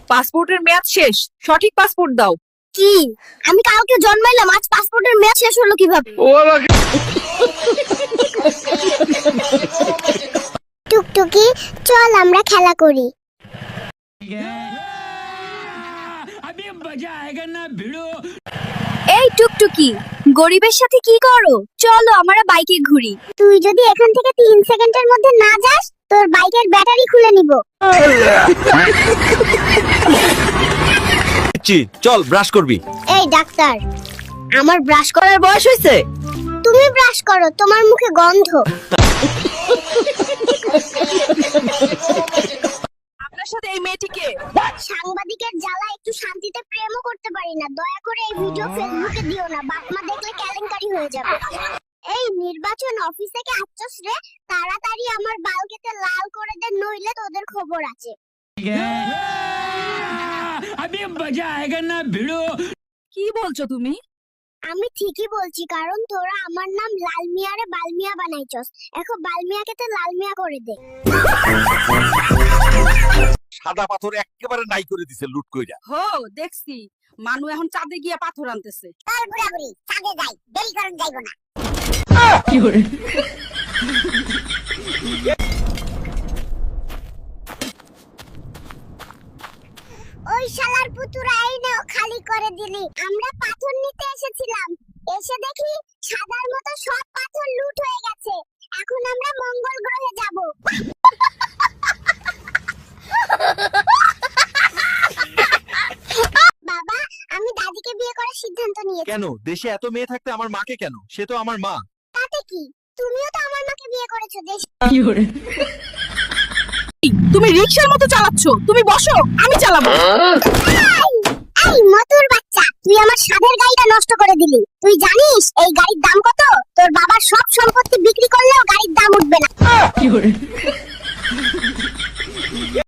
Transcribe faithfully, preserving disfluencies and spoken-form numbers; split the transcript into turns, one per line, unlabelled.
পাসপোর্টের মেয়াদ শেষ, সঠিক পাসপোর্ট দাও।
কি? আমি কালকে জন্মাইলাম, আজ পাসপোর্টের মেয়াদ শেষ হলো কিভাবে? টুকটুকি, চল আমরা খেলা করি। এই টুকটুকি, গরিবের সাথে কি করো? চলো আমরা বাইকে ঘুরি। তুই যদি এখান থেকে তিন সেকেন্ডের মধ্যে না যাস, তোর বাইকের ব্যাটারি খুলে নিব।
চল ব্রাশ করবি।
এই ডাক্তার, আমার ব্রাশ
করার বয়স হয়েছে?
তুমি ব্রাশ করো, তোমার মুখে গন্ধ।
আপনার সাথে এই মেয়েটিকে
সাংবাদিকের জ্বালা একটু শান্তিতে প্রেমও করতে পারি না। দয়া করে এই ভিডিও ফেসবুকে দিও না, বাপ মা দেখলে কেলেঙ্কারি হয়ে যাবে। এই নির্বাচন অফিস থেকে আসছস রে, তাড়াতাড়ি আমার বাল কেটে লাল করে দে, নইলে তোদের খবর আছে।
अभी मजा आएगा ना भिड़ो।
কি বলছো তুমি?
আমি ঠিকই বলছি, কারণ তোরা আমার নাম লাল মিয়ারে বালমিয়া বানাইছস। এখন বালমিয়াকে তো লাল মিয়া করে দে।
সাদা পাথর একেবারে নাই করে দিছে লুট কইরা।
হো, দেখছি মানু এখন চাঁদে গিয়া পাথর আনতেছে।
চল বুড়াবুড়ি, চাঁদে যাই, দেরি করন যাইবো না।
কি করে?
ওই শালার পুতুরা, এই নাও, খালি করে দিলি। আমরা পাথর নিতে এসেছিলাম, এসে দেখি সাদার মতো সব পাথর লুট হয়ে গেছে। এখন আমরা মঙ্গল গ্রহে যাব। বাবা, আমি দাদিকে বিয়ে করার সিদ্ধান্ত নিয়েছি।
কেন? দেশে এত মেয়ে থাকতে আমার মাকে কেন? সে তো আমার মা।
তাতে কি? তুমিও তো আমার মাকে বিয়ে করেছো। দেশ
কি করে?
তুমি রিকশার মতো চালাচ্ছ, তুমি বসো, আমি চালাবো।
এই মতুর বাচ্চা, তুই আমার সাধের গাড়িটা নষ্ট করে দিলি। তুই জানিস এই গাড়ির দাম কত? তোর বাবার সব সম্পত্তি বিক্রি করলেও গাড়ির দাম উঠবে না।
কি করে?